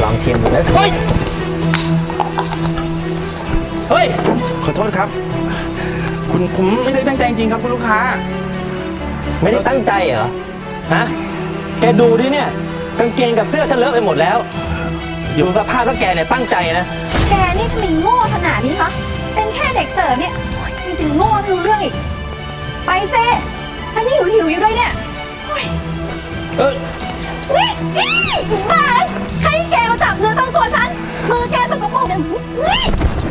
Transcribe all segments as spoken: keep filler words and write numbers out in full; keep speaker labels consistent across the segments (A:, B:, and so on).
A: องชิมดูนะเฮ้ยเฮ้ย
B: ขอโทษครับคุณผมไม่ได้ตั้งใจจริงครับคุณลูกค้า
A: ไม่ได้ตั้งใจเหรอฮะแกดูดิเนี่ยกางเกงกับเสื้อฉันเลอะไปหมดแล้วดูสภาพแล้วแกเนี่ยตั้งใจนะ
C: แกนี่ทำไมโง่ขนาดนี้คะเป็นแค่เด็กเสิร์ฟเนี่ยยังจะโง่ไม่รู้เรื่องอีกไปเซ่ฉันหิวหิวอยู่ด้วยเนี่ย
B: เออ
C: นี่นี่บ้าให้แกมาจับเนื้อต้องตัวฉันมือแกสกปรกเนี่ยนี่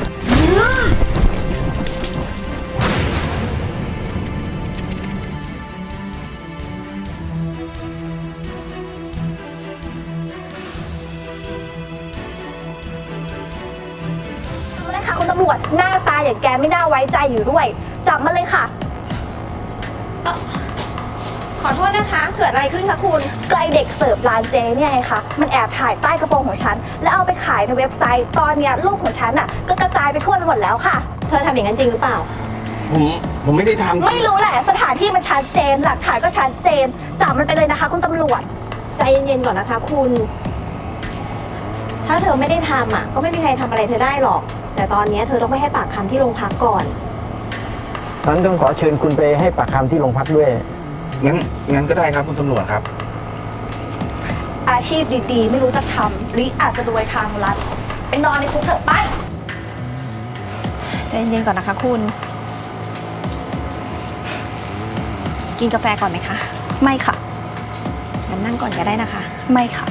C: คุณตำรวจหน้าตาอย่างแกไม่น่าไว้ใจอยู่ด้วยจับมาเลยค่ะขอโทษนะคะเกิดอะไรขึ้นคะคุณก็ไอเด็กเสิร์ฟร้านเจเนี่ยไงคะมันแอบถ่ายใต้กระโปรงของฉันแล้วเอาไปขายในเว็บไซต์ตอนนี้รูปของฉันอ่ะก็กระจายไปทั่วไปหมดแล้วค่ะเธอทำอย่างนั้นจริงหรือเปล่า
B: ผมผมไม่ได้ทำ
C: ไม่รู้แหละสถานที่มันชัดเจนหลักฐานก็ชัดเจนจับมันไปเลยนะคะคุณตำรวจใจเย็นๆก่อนนะคะคุณถ้าเธอไม่ได้ทำอ่ะก็ไม่มีใครทำอะไรเธอได้หรอกแต่ตอนนี้เธอต้องไปให้ปากคำที่โรงพักก่อน
D: ฉันต้องขอเชิญคุณไปให้ปากคำที่โรงพักด้วย
B: งั้นงั้นก็ได้ครับคุณตำรวจครับ
C: อาชีพดีๆไม่รู้จะทำหรืออาจจะรวยทางลัดไปนอนในคุกเถอะไปใจเย็นๆก่อนนะคะคุณกินกาแฟก่อนไหมคะไม่ค่ะงั้นนั่งก่อนก็ได้นะคะไม่ค่ะ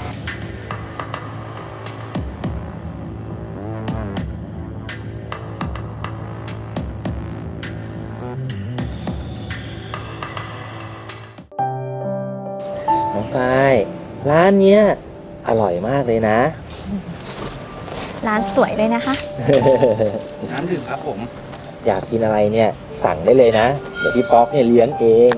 A: น้องฝ้ายร้านเนี้ยอร่อยมากเลยนะ
C: ร้านสวยเลยนะคะ
B: น้ำดื่มครับผม
A: อยากกินอะไรเนี่ยสั่งได้เลยนะเดี๋ยวพี่ป๊อกเนี่ยเลี้ยงเอง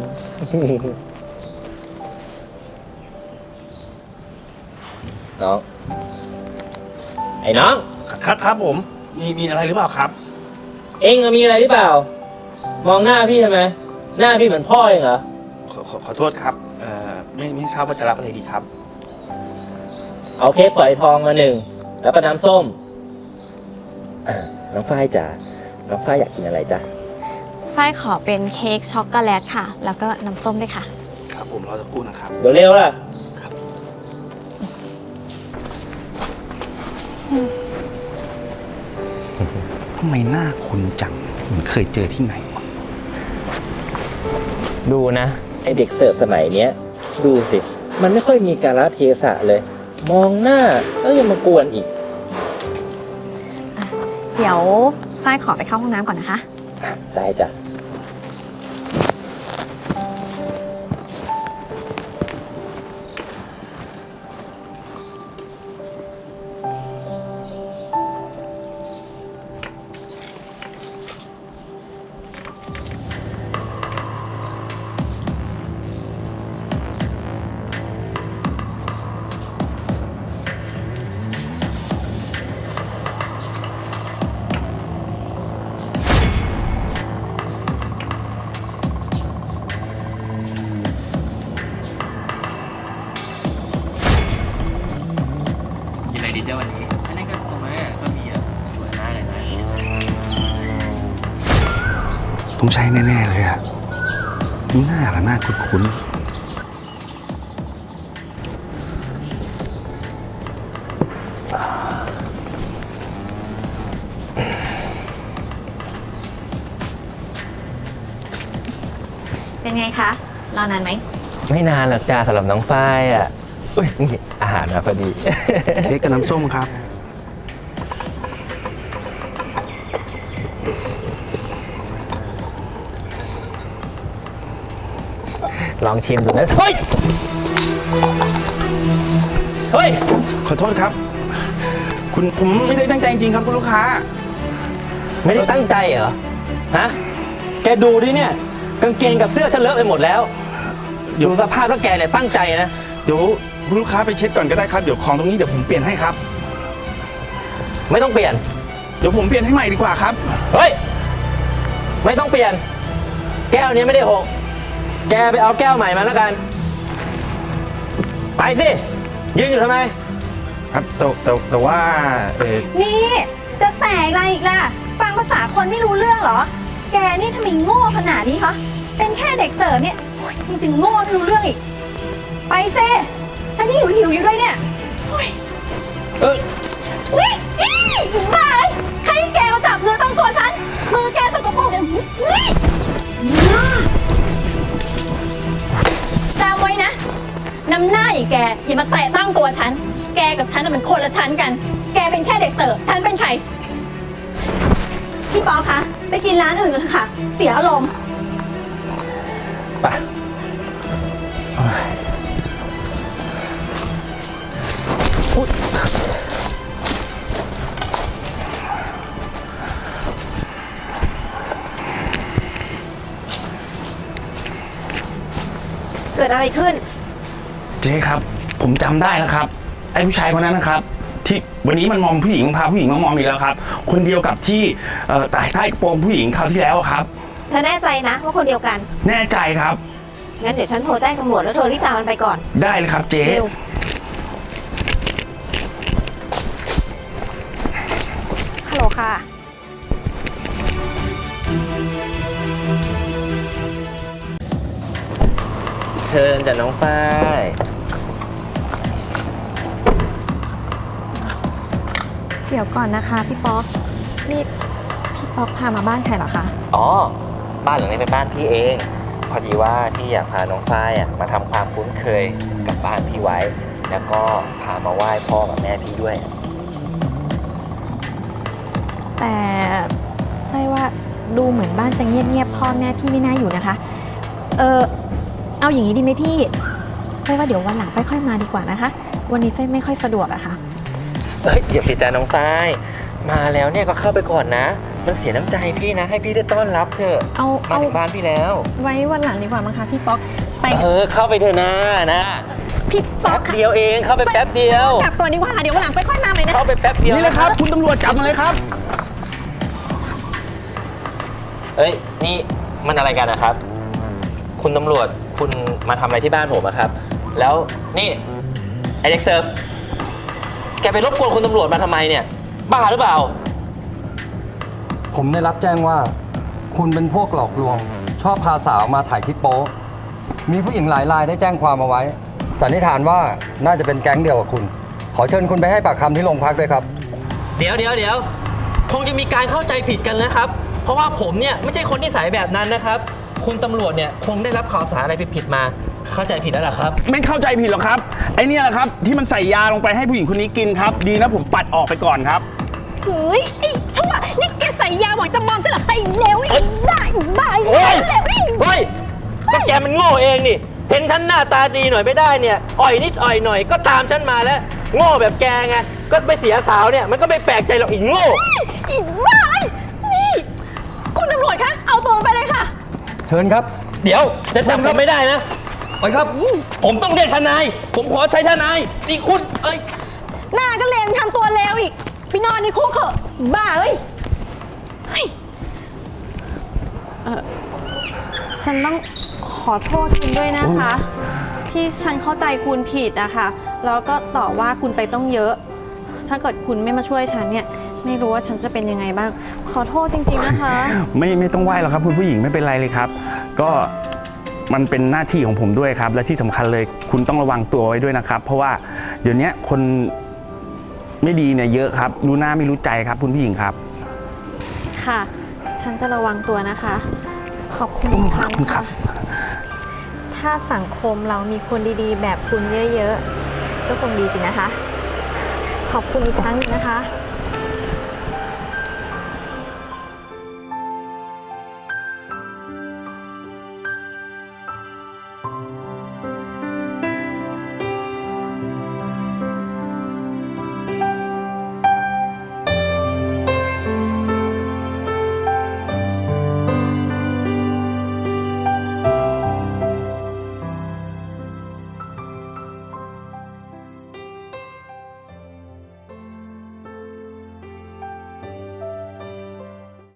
A: น้องไอ้น้อง
B: ครับครับผมมีมีอะไรหรือเปล่าครับ
A: เอ็งมีอะไรหรือเปล่ามองหน้าพี่ทำไมหน้าพี่เหมือนพ่อเองเหรอ
B: ขอขอขอโทษครับเอ่อไม่ไม่ทราบว่าจะรับอะไรดีครับ
A: เอาเค้กฝอยทองมาหนึ่งแล้วก็น้ำส้มน้องฝ้ายจ๋าน้องฝ้ายอยากกินอะไรจ๊ะ
C: ฝ้ายขอเป็นเค้กช็อกโกแลตค่ะแล้วก็น้ำส้มด้วยค่ะ
B: ครับผมรอสักครู่นะครับ
A: เดี๋ยวเร็วล่ะ
B: ครับทำไมหน้าคุณจังเหมือนเคยเจอที่ไหน
A: ดูนะไอเด็กเสิร์ฟสมัยเนี้ยดูสิมันไม่ค่อยมีกาลเทศะเลยมองหน้าแล้วยังมากวนอีก
C: เดี๋ยวฝ้ายขอไปเข้าห้องน้ำก่อนนะคะ
A: ได้จ้ะ
B: ดีเจ้าวันนี้อันนี้ก็ตรงนั้นก็มีอ่ะสวยมากเลยนะต้องใช้แน่ๆเลยอ่ะนี่หน้าละหน้าคุ้น
C: ๆเป็นไงคะรอนานไหม
A: ไม่นานหรอกจ้าสำหรับน้องฝ้ายอ่ะอุ้ยนี่อาหารมาพอดี
B: เค้กกับน้ำส้มครับ
A: ลองชิมดูนะเฮ้ยเฮ้ย
B: ขอโทษครับคุณผมไม่ได้ตั้งใจจริงครับคุณลูกค้า
A: ไม่ได้ตั้งใจเหรอฮะแกดูดิเนี่ยกางเกงกับเสื้อฉันเลอะไปหมดแล้วดูสภาพแล้วแกเนี่ยตั้งใจนะ
B: เดี๋ยวคุณลูกค้าไปเช็ดก่อนก็ได้ครับเดี๋ยวของตรงนี้เดี๋ยวผมเปลี่ยนให้ครับ
A: ไม่ต้องเปลี่ยน
B: เดี๋ยวผมเปลี่ยนให้ใหม่ดีกว่าครับ
A: เฮ้ยไม่ต้องเปลี่ยนแก้วนี้ไม่ได้หกแกไปเอาแก้วใหม่มาแล้วกันไปสิยืนอยู่ทำไม
B: ครับแต่แต่แต่ว่าเออ
C: นี่จะแตกอะไรอีกล่ะ ฟังภาษาคนไม่รู้เรื่องเหรอ แกนี่ทำไมโง่ขนาดนี้คะเป็นแค่เด็กเสิร์ฟเนี่ยโอ๊ยยังจะโง่ไม่รู้เรื่องอีก ไปเซ่ฉันหิวหิวอยู่ด้วยเนี่ยโอ๊ย
B: เออ
C: นี่อีอีบ้าเอ้ยใครให้แกมาจับเนื้อต้องตัวฉัน มือแกสกปรกเนี่ยนี่จำไว้นะ น้ำหน้าอย่างแกอย่ามาแตะต้องตัวฉัน แกกับฉันน่ะมันคนละชั้นกัน แกเป็นแค่เด็กเสิร์ฟฉันเป็นใคร พี่ป๊อปคะ ไปกินร้านอื่นกันค่ะ เสียอารมณ์
A: ไป
C: เกิดอะไรขึ้น
B: เจ๊ครับ ผมจำได้แล้วครับไอ้ผู้ชายคนนั้นนะครับ ที่วันนี้มันมอมผู้หญิงพาผู้หญิงมามอมอีกแล้วครับ คนเดียวกับที่เอ่อใต้ใต้กระโปรงผู้หญิงคราวที่แล้วอะครับ
C: เธอแน่ใจนะว่าคนเดียวกัน
B: แน่ใจครับ
C: งั้นเดี๋ยวฉันโทรแจ้งตำรวจแล้วเธอรีบตามมันไปก่อน
B: ได้เลยครับเจ๊
C: เร็ว ฮัลโหลค่ะ
A: เชิญจ้ะน้องฝ้าย
C: เดี๋ยวก่อนนะคะพี่ป๊อก นี่พี่ป๊อกพามาบ้านใครเหรอคะ
A: อ๋อ บ้านหลังนี้เป็นบ้านพี่เอง พอดีว่าพี่อยากพาน้องฝ้ายอ่ะมาทำความคุ้นเคยกับบ้านพี่ไว้ แล้วก็พามาไหว้พ่อกับแม่พี่ด้วย
C: แต่ใช่ว่าดูเหมือนบ้านจะเงียบๆพ่อแม่พี่ไม่น่าอยู่นะคะ เออเอาอย่างนี้ดีไหมพี่ใช่ว่าเดี๋ยววันหลังค่อยๆมาดีกว่านะคะ วันนี้ไฟไม่ค่อยสะดวกอะค่ะ
A: เอ้ยเดี๋ยวสิจ้าน้องฝ้าย มาแล้วเนี่ยก็เข้าไปก่อนนะ มันเสียน้ำใจพี่นะ ให้พี่ได้ต้อนรับเถอะ
C: เอา
A: มา
C: เอา
A: ถึงบ้านพี่แล้ว
C: ไว้วันหลังดีกว่ามั้งคะพี่ป๊อกไป
A: เออเข้าไปเถอะนะนะ
C: พี่ป๊อ
A: แป๊
C: ก
A: บเดียวเองเข้าไปแป๊บเดียว
C: กลับก่อนดีกว่าค่ะเดี๋ยววันหลังค่อยๆมาใหม่นะ
A: เข้าไปแป๊บเดียว
B: นี่เลยครับ คุณตำรวจจับมาเลยครับ
A: เอ้ยนี่มันอะไรกันนะครับ คุณตำรวจคุณมาทำอะไรที่บ้านผมอะครับ แล้วนี่ไอเด็กเซิร์ฟแกไปรบกวนคุณตำรวจมาทำไมเนี่ยบ้าหรือเปล่า
E: ผมได้รับแจ้งว่า คุณเป็นพวกหลอกลวง ชอบพาสาวมาถ่ายคลิปโป๊มีผู้หญิงหลายรายได้แจ้งความเอาไว้ สันนิษฐานว่าน่าจะเป็นแก๊งเดียวกับคุณ ขอเชิญคุณไปให้ปากคำที่โรงพักด้วยครับ
A: เดี๋ยวเดี๋ยวเดี๋ยวคงจะมีการเข้าใจผิดกันนะครับ เพราะว่าผมเนี่ยไม่ใช่คนนิสัยแบบนั้นนะครับ คุณตำรวจเนี่ยคงได้รับข่าวสารอะไรผิดๆมา เข้าใจผิดแล้วเหรอครับ
B: ไม่เข้าใจผิดหรอกครับ ไอ้เนี่ยแหละครับที่มันใส่ยาลงไปให้ผู้หญิงคนนี้กินครับ ดีนะผมปัดออกไปก่อนครับ
C: เฮ้ยไอ้ชั่วนี่แกใส่ยาหวังจะมอมฉันเหรอไปเร็วไอ้บ้าไอ้บ้าไอ้
A: โอ้ย
C: เร็วไอ้
A: เฮ้ยก็แกมันโง่เองนี่ เห็นฉันหน้าตาดีหน่อยไม่ได้เนี่ย อ่อยนิดอ่อยหน่อยก็ตามฉันมาแล้ว โง่แบบแกไง ก็ไปเสียสาวเนี่ย มันก็ไม่แปลกใจหรอกอีกโง่
C: ไอ้บ้าไอ้นี่คุณตำรวจคะเอาตัวมันไปเลยค่ะ
E: เชิญครับ
A: เดี๋ยวจะทำก็ไม่ได้นะ
E: ไปครับ
A: ผมต้องเรียกทนาย ผมขอใช้ทนายนี่คุณเอ้ย
C: หน้าก็เลวทำตัวเลวอีกไปนอนในคุกเถอะบ้าเอ้ยเฮ้ยเอ่อฉันต้องขอโทษคุณด้วยนะคะ ที่ฉันเข้าใจคุณผิดนะคะแล้วก็ต่อว่าคุณไปต้องเยอะ ถ้าเกิดคุณไม่มาช่วยฉันเนี่ยไม่รู้ว่าฉันจะเป็นยังไงบ้าง ขอโทษจริงๆนะคะ
B: ไม่ไม่ต้องไหว้หรอกครับคุณผู้หญิงไม่เป็นไรเลยครับ ก็มันเป็นหน้าที่ของผมด้วยครับ และที่สำคัญเลยคุณต้องระวังตัวไว้ด้วยนะครับ เพราะว่าเดี๋ยวนี้คนไม่ดีเนี่ยเยอะครับรู้หน้าไม่รู้ใจครับคุณผู้หญิงครับ
C: ค่ะ ฉันจะระวังตัวนะคะ ขอบคุณอีกครั้ง
B: ขอบคุณครั
C: ค่ะ
B: บ
C: ถ้าสังคมเรามีคนดีๆ แบบคุณเยอะๆ ก็คงดีสินะคะ ขอบคุณอีกครั้งหนึงนะคะ